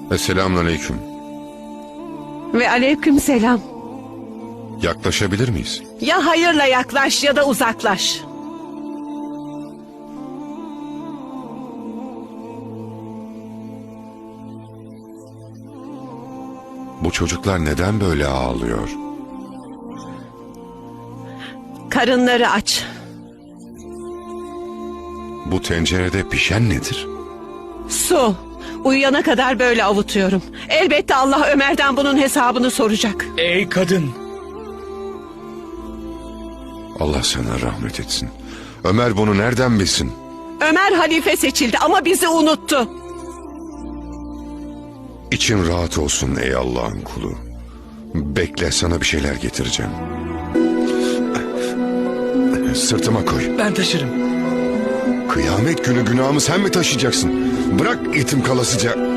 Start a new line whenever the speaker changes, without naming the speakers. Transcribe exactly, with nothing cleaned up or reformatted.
Selamünaleyküm.
Ve aleyküm selam.
Yaklaşabilir miyiz?
Ya hayırla yaklaş ya da uzaklaş.
Bu çocuklar neden böyle ağlıyor?
Karınları aç.
Bu tencerede pişen nedir?
Su. Uyuyana kadar böyle avutuyorum. Elbette Allah Ömer'den bunun hesabını soracak.
Ey kadın!
Allah sana rahmet etsin. Ömer bunu nereden bilsin?
Ömer halife seçildi ama bizi unuttu.
İçin rahat olsun ey Allah'ın kulu. Bekle, sana bir şeyler getireceğim. Sırtıma koy.
Ben taşırım.
Kıyamet günü günahımı sen mi taşıyacaksın? Bırak itim kalasıca.